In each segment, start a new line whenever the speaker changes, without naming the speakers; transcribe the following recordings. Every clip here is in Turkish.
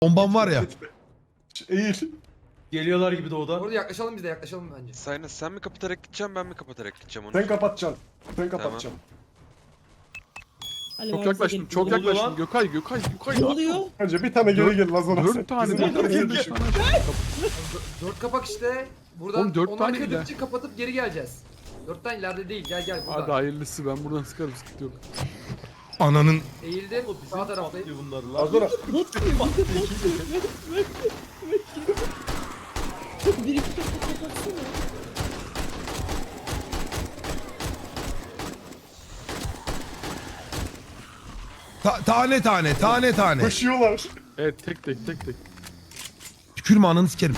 Bombam var ya.
Eğil.
Geliyorlar gibi doğuda.
Orada yaklaşalım biz de yaklaşalım bence.
Saynas sen mi kapatarak gideceğim ben mi kapatarak gideceğim onu?
Sen kapatacaksın. Sen kapatacaksın.
Ali
Çok
varsa
yaklaştım,
gelip
çok
gidiyor.
yaklaştım. Gökay.
Ne oluyor?
Önce bir tane geri gel Lazona.
4 tane,
Bizim
4
geri
tane.
düşün.
4 kapak işte. Buradan
Oğlum, 4
onlar
tane
kırdıkça kapatıp geri geleceğiz. 4 tane ileride değil gel buradan.
Hadi hayırlısı, ben buradan sıkarım, sıkıntı yok.
Ananın.
Eğildim sağ taraftayım.
Patlıyor bunlar lan.
Lazona.
Bir iki kapı kapatsana.
Tane.
Koşuyorlar.
Evet, tek.
Tükürme ananı sikerim.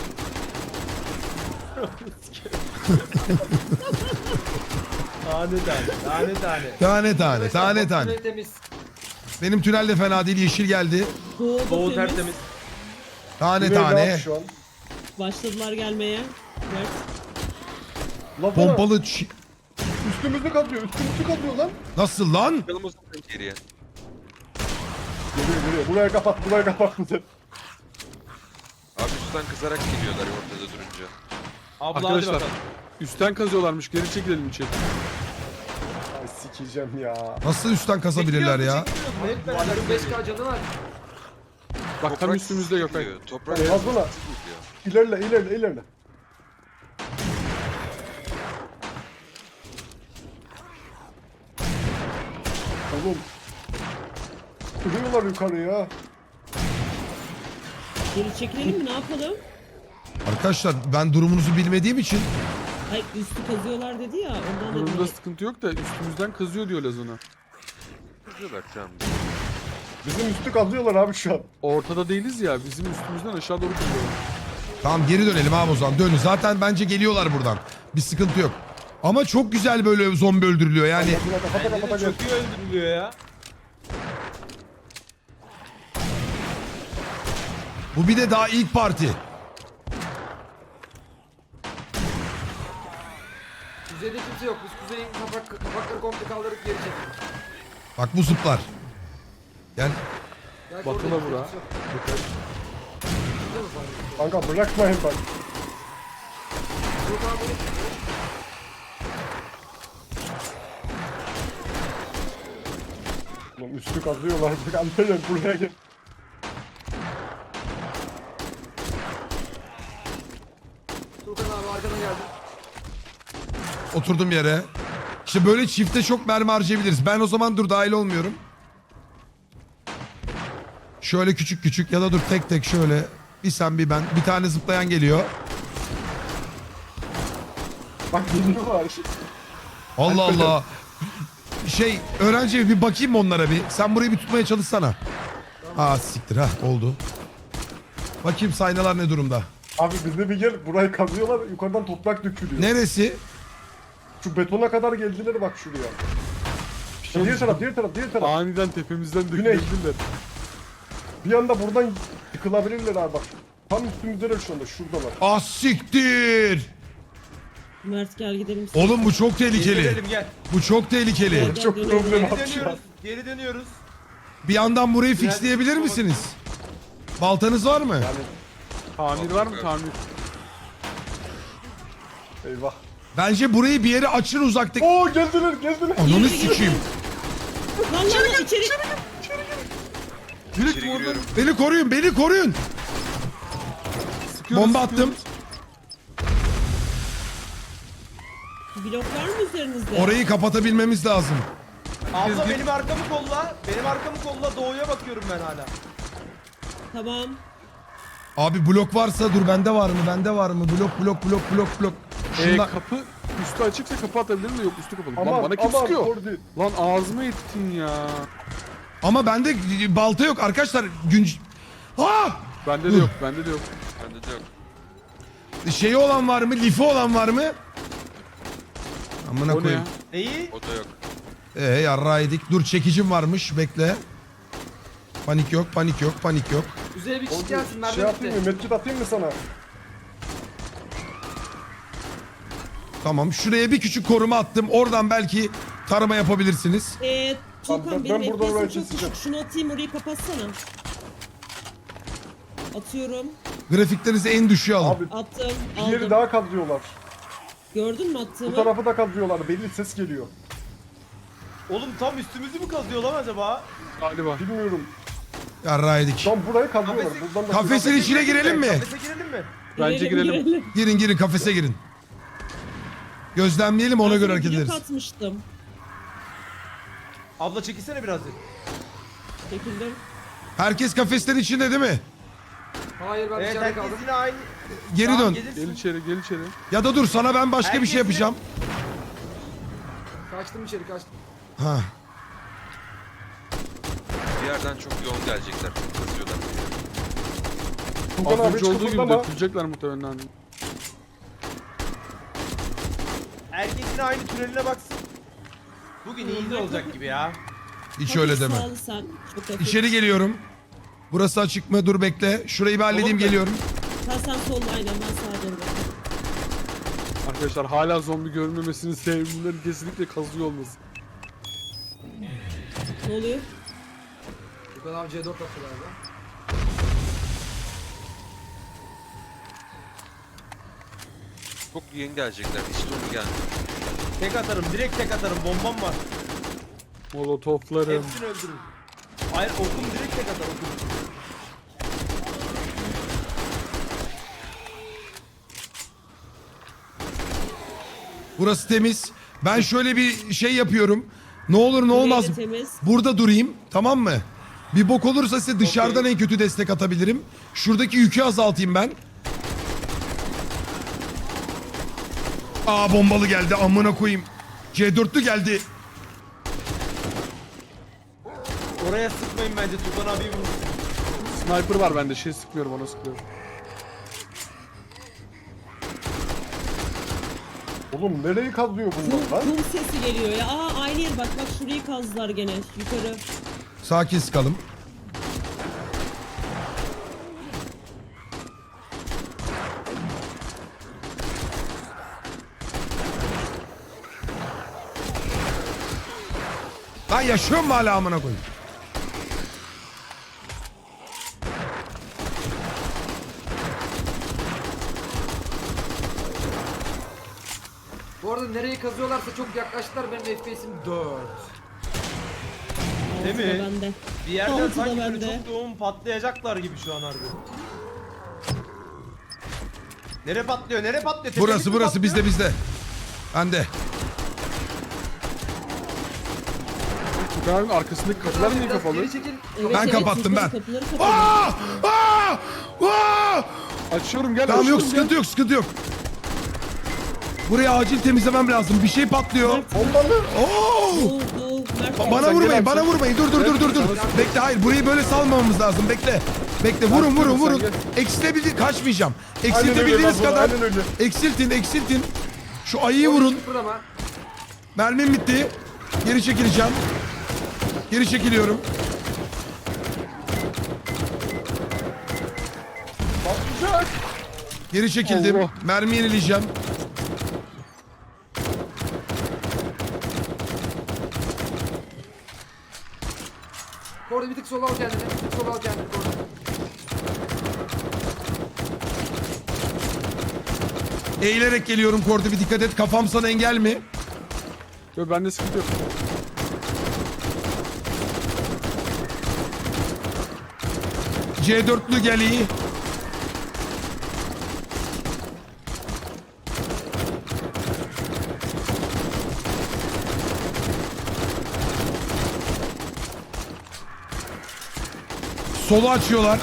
Tane.
Tünel temiz.
Benim tünel de fena değil, yeşil geldi.
Doğu tertemiz.
Tane.
Güney rahat şu an.
Başladılar gelmeye. Evet.
Lazona.
Pompalı
Üstümüzü katlıyor. Üstümüzü katlıyor lan.
nasıl lan?
Çıkalım o zaman geriye.
Geliyor. Buraya kapat bizi.
Abi üstten kızarak geliyorlar ortada durunca.
Abla hadi
Arkadaşlar,
bakalım.
üstten kazıyorlarmış, geri çekilelim içeri.
Ay sikeceğim ya.
Nasıl üstten kasabilirler ya?
Hep beraber 5K canı var.
Bak tam
Toprak
üstümüzde Gökay.
geliyor, Toprak
Lazona.
geliyor.
İlerle. Oğlum. Kırıyorlar yukarıya.
Geri çekilelim mi? Ne yapalım?
Arkadaşlar ben durumunuzu bilmediğim için
Ay üstü kazıyorlar dedi ya. Ondan
Durumda
dedim.
sıkıntı yok da üstümüzden kazıyor diyor Lazona.
Kızıyorlar şu an.
Bizim üstü kazıyorlar abi şu an.
Ortada değiliz ya, bizim üstümüzden aşağı doğru kazıyorlar.
tamam geri dönelim abi o zaman. Dönün. Zaten bence geliyorlar buradan. Bir sıkıntı yok. Ama çok güzel böyle zombi öldürülüyor yani.
Lazona kapata
Bence de
gel.
çok iyi öldürülüyor ya.
Bu bir de daha ilk parti.
Kuzeyde kimse yok. Biz kuzeyin kapakları komple kaldırıp geri çektik.
Bak bu zıplar. Gel.
Belki
Batına
orada
vur ha.
kimse yok. Burada mı var?
Kanka bırakmayın bak.
Yok abi.
Oğlum üstü kazıyorlar. Bak Alperen buraya gel.
Tuğkan abi arkadan geldi.
Oturdum yere. İşte böyle çifte çok mermi harcayabiliriz. Ben o zaman dur dahil olmuyorum. Şöyle küçük ya da dur tek şöyle. Bir sen bir ben. Bir tane zıplayan geliyor.
Bak geliyorlar.
Allah Allah. Öğrenci bir bakayım mı onlara bir. Sen burayı bir tutmaya çalışsana. Aa siktir ha oldu. Bakayım saynalar ne durumda.
Abi bize bir gel. Burayı kazıyorlar. Yukarıdan toprak dökülüyor.
Neresi?
Şu betona kadar geldiler bak şuraya. Diğer taraf.
Aniden tepemizden
Güney.
dökülebilirler.
Bir anda buradan yıkılabilirler abi bak. Tam üstümüzdeler şu anda. Şuradalar.
Ah siktir.
Mert gel gidelim.
Oğlum bu çok
Geri
tehlikeli.
dönelim gel.
Bu çok tehlikeli.
Gel,
Çok
dönelim.
problem
Geri
abi şu an.
dönüyoruz. Geri dönüyoruz.
Bir yandan burayı fixleyebilir misiniz? Baltanız var mı?
Tamir var mı tamir?
Eyvah.
Bence burayı bir yere açın uzaktaki.
Oo geldiler.
Ananı sikeyim.
Lan içeri.
Direkt
İçeri
oradan
giriyorum.
Beni koruyun.
sıkıyoruz.
Bomba attım.
Blok var mı üzerinizde?
Orayı kapatabilmemiz lazım.
Abla benim arkamı kolla. Benim arkamı kolla. Doğuya bakıyorum ben hala.
Tamam.
Abi blok varsa dur bende var mı? Blok. Şundan...
Kapı üstü açıksa kapı atabilirim de yok üstü kapalı.
Aman
Lan bana kim sıkıyor?
orada.
Lan ağzıma ettin ya.
Ama bende balta yok arkadaşlar.
Bende de yok.
Bende de yok.
Şeyi olan var mı? Lifi olan var mı? Amına
O ne
koyayım.
ya?
Neyi?
O da yok.
Yarrağı yedik. Dur çekicim varmış. Bekle. Panik yok.
Kuzeye bir kişi gelsin.
Şey
Merdiven
atayım mı?
gitti.
Medkit atayım mı sana?
Tamam. Şuraya bir küçük koruma attım. Oradan belki tarama yapabilirsiniz.
Tamam,
Tuğkan
ben
benim
buradan oraya
FPS'im çok
keseceğim.
düşük. Şunu atayım orayı kapatsana. Atıyorum.
Grafiklerinizi en düşüğe alın.
Abi
Attım.
bir yeri
Aldım.
daha kazıyorlar.
Gördün mü
Bu
attığımı?
tarafı da kazıyorlar. Belli ses geliyor.
Oğlum tam üstümüzü mü kazıyor lan acaba?
Galiba.
Bilmiyorum.
Yarrağı yedik.
Tam burayı kazıyorlar.
Kafesi-
Buradan da
Kafesin içine girelim mi?
Kafese girelim mi?
Bence girelim.
Girin kafese girin. Gözlemleyelim ona göre hareket
Blok
ederiz.
atmıştım.
Abla çekilsene birazcık.
Çekildim.
Herkes kafeslerin içinde değil mi?
Hayır ben
Evet
dışarıda
herkes
kaldım.
yine aynı.
Geri
Tamam,
dön.
gelirsin.
Gel içeri, gel içeri.
Ya da dur sana ben başka bir şey
Herkes
yapacağım.
Kaçtım içeri kaçtım.
Ha.
Bir yerden çok yoğun gelecekler. Çok kazıyorlar.
Furkan
Az
abi
önce
hiç
olduğu gibi
kıpırdama.
dökülecekler muhtemelen.
Herkes yine aynı türeline baksın. Bugün iyi olacak gibi ya.
Hiç öyle deme.
Sağ ol sen. Çok hafif.
İçeri geliyorum. Burası açık mı? Dur bekle. Şurayı bir halledeyim
Oğlum da-
geliyorum.
Sen solda aynen ben sağa doğru bakıyorum.
Arkadaşlar hala zombi görmemesinin sebepleri kesinlikle kazıyor olması.
Ne oluyor?
Yukarı abi C4 attı galiba.
Çok yeni gelecekler. Hiç sonu gelmiyor.
Tek atarım, direkt tek atarım. Bombam var.
Molotoflarım.
Hepsini öldürürüm. Hayır okum direkt tek atar okum.
Burası temiz. Ben şöyle bir şey yapıyorum. Ne olur ne olmaz.
Burayı da temiz.
Burada durayım. Tamam mı? Bir bok olursa size dışarıdan en kötü destek atabilirim. Şuradaki yükü azaltayım ben. Aa bombalı geldi. Amına koyayım. C4'lü geldi.
Oraya sıkmayın bence Tuzan abiyi vurun.
Sniper var bende, şey sıkıyorum, ona sıkıyorum.
Oğlum nereyi kazıyor bunlar lan?
Kum sesi geliyor ya. Aa aynı yer bak şurayı kazdılar gene. Yukarı.
Sakin sıkalım. Lan yaşıyor mu hala amına koyayım?
Bu arada nereyi kazıyorlarsa çok yaklaştılar, benim FPS'im 4.
Değil
Altıda
mi?
bende.
Bir yerden
Altıda
sanki böyle
bende.
çok yoğun patlayacaklar gibi şu an harbi. Nere patlıyor? Nere patlıyor? Tepemiz
Burası
mi
burası
patlıyor?
bizde. Bende.
Furkan abinin arkasındaki kapılar niye
Biraz
kapalı?
geri çekil.
Ben kapattım,
yukarı
ben.
Kapıları kapalı.
Aa! Aa! Aa!
Açıyorum, gel.
Tamam yok
açıyorum,
sıkıntı yok sıkıntı yok. Burayı acil temizlemem lazım. Bir şey patlıyor.
Bombalı.
Oo!
Oldu. Mert
Bana
Sen
vurmayın,
gel
bana
abi.
vurmayın. Dur. Bekle, hayır. Burayı böyle salmamamız lazım. Bekle. Bekle. Vurun.
Sen gel.
Eksilebilir, kaçmayacağım.
Aynen öyle
Eksiltebildiğiniz
lan,
kadar.
aynen öyle.
Eksiltin. Şu ayıyı vurun.
Kıpırdama.
Mermim bitti. Geri çekileceğim. Geri çekiliyorum.
Patlayacak.
Geri çekildim.
Allah.
Mermi yenileyeceğim.
Orada bir tık sola al kendini. Bir tık sola al kendini. Orada.
Eğilerek geliyorum Kordi, bir dikkat et. Kafam sana engel mi?
Yok, bende sıkıntı yok.
C4'lü gel iyi. Solu açıyorlar.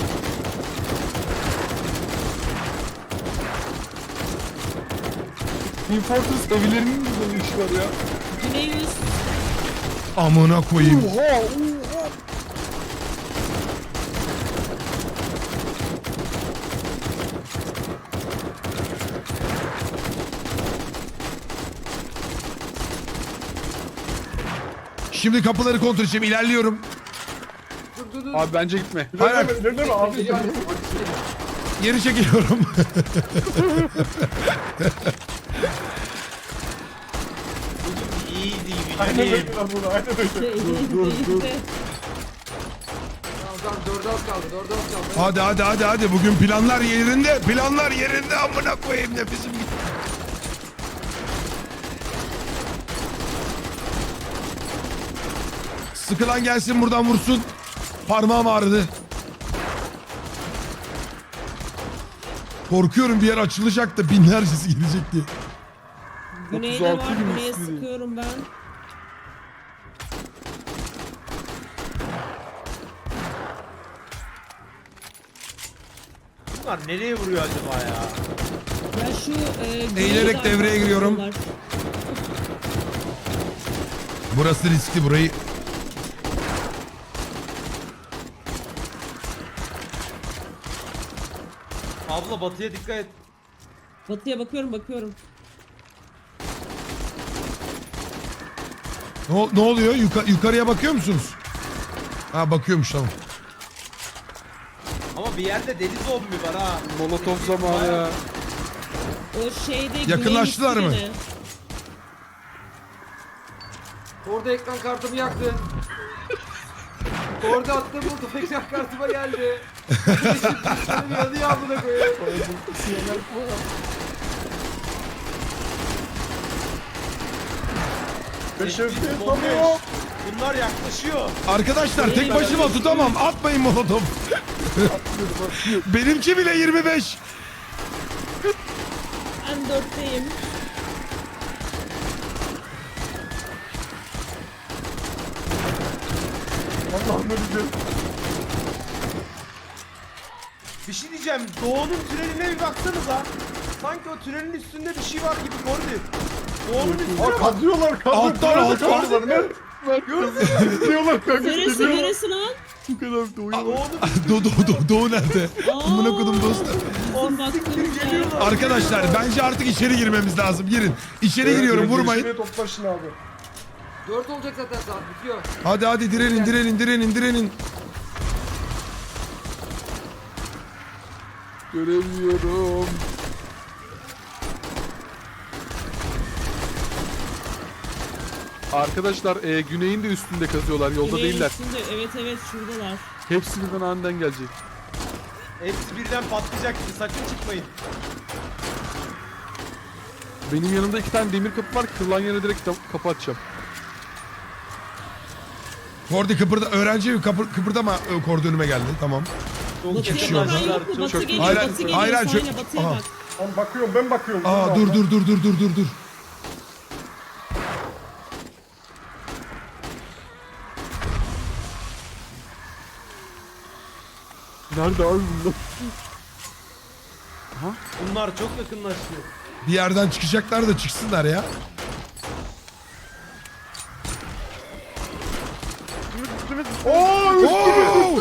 Team Fortress evlerinin güzel iş var ya.
Güney yüz.
Amına koyayım.
Oha.
Şimdi kapıları kontrol edeceğim. İlerliyorum.
Dur.
Abi bence gitme.
Hayır,
İlerleme abi.
Geliyor abi.
geri çekiliyorum.
Easy
Aynen
güzelim.
öyle lan bunu. Aynen öyle.
Dur.
Tamam Tamam 4'e az kaldı. 4'e az kaldı.
Hadi. Bugün planlar yerinde. Planlar yerinde. Amına koyayım nefesim gitti. Sıkılan gelsin buradan vursun. Parmağım ağrıdı. Korkuyorum bir yer açılacak da binlercesi gelecek diye.
Güneyde var.
36 gün
Güneye
üstüne.
sıkıyorum ben.
Bunlar nereye vuruyor acaba ya?
Ya şu
Eğilerek
güneyde
devreye giriyorum.
var.
Burası riskli burayı.
Abla batıya dikkat et.
Batıya bakıyorum.
Ne oluyor? Yukarıya bakıyor musunuz? Ha bakıyormuş tamam.
Ama bir yerde deli zombi var ha.
Molotof zamanı ya.
O şeyde
Yakınlaştılar
güneyin
mı?
üstüne.
Orada ekran kartımı yaktı. Orada attığım buldu ekran kartıma geldi. Şimdi yanıyor amına koyayım.
Beşevde
Bomba
tanıyor.
yok. Bunlar yaklaşıyor.
Arkadaşlar tek başıma tutamam. Atmayın molotof. Benimki bile 25.
Ben 4'teyim.
Allah'ım öleceğim.
Bir şey diyeceğim. Doğu'nun tüneline bir baksanıza. Sanki o tünelin üstünde bir şey var gibi Kordi. Doğu'nun üstüne
Aa
bak.
kazıyorlar.
Alttan.
Kazıyorlar. Gidiyorlar kanka.
Neresi
gidiyorlar.
neresi lan?
Bu kadar doyuyor.
Doğu'nun
Doğu nerede? Amına kodum dostlar.
Bizim baktığımız yer.
Arkadaşlar bence artık içeri girmemiz lazım. Girin. İçeri giriyorum vurmayın.
Gelişmeye toplaşın abi.
4 olacak zaten saat bitiyor.
Hadi direnin.
Göremiyorum. Arkadaşlar güneyin de üstünde kazıyorlar. Yolda
Güneyin
değiller.
üstünde, evet şuradalar.
Hepsi birden aniden gelecek.
Hepsi birden patlayacak gibi. Sakın çıkmayın.
Benim yanımda 2 tane demir kapı var. Kırılan yere direkt kapı açacağım.
Kordi öğrenci kıpırdama Kordi önüme geldi. Tamam.
Çok
Batıya
kişi
bakan
var.
yok mu? Batı
Çok-
geliyor,
Hayır,
batı geliyor.
hayır,
Sayna,
çok-
batıya
Aha.
bak.
Ben bakıyorum.
Aa dur.
Nerede abi bunlar?
Bunlar çok yakınlaşıyor.
Bir yerden çıkacaklar da çıksınlar ya.
Oo
Oo!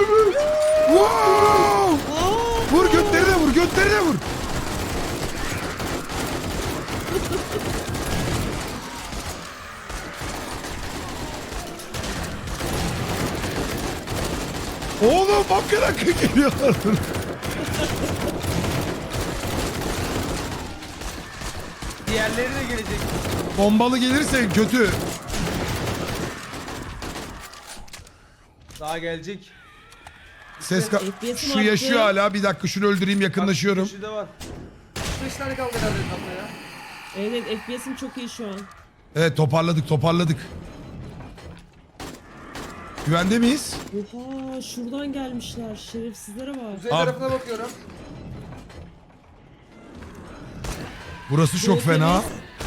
Wow! Vur götlerine vur. Oğlum bakın geliyorlar.
Diğerleri de gelecek.
Bombalı gelirse kötü.
Daha gelecek.
FPS'im
Şu
arttı.
yaşıyor hala. Bir dakika şunu öldüreyim yakınlaşıyorum.
Köşede var.
5 tane kaldı herhalde etrafta ya.
Evet FPS'im çok iyi şu an.
Evet toparladık. Güvende miyiz?
Oha şuradan gelmişler. Şerefsizlere bak.
Kuzey
Abi-
tarafına bakıyorum.
Burası çok fena.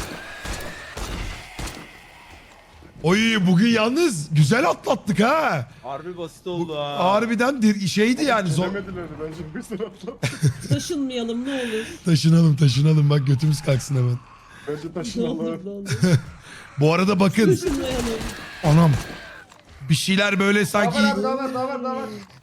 Oy bugün yalnız güzel atlattık ha.
Harbi basit oldu ha.
Harbiden şeydi yani.
Demediler bence bir sıra atlat.
Taşınmayalım ne olur.
Taşınalım bak götümüz kalksın hemen.
Bence
Ne olur
taşınalım.
ne olur.
Bu arada bakın
Taşınmayalım.
anam bir şeyler böyle
Daha
sanki
var abi daha var.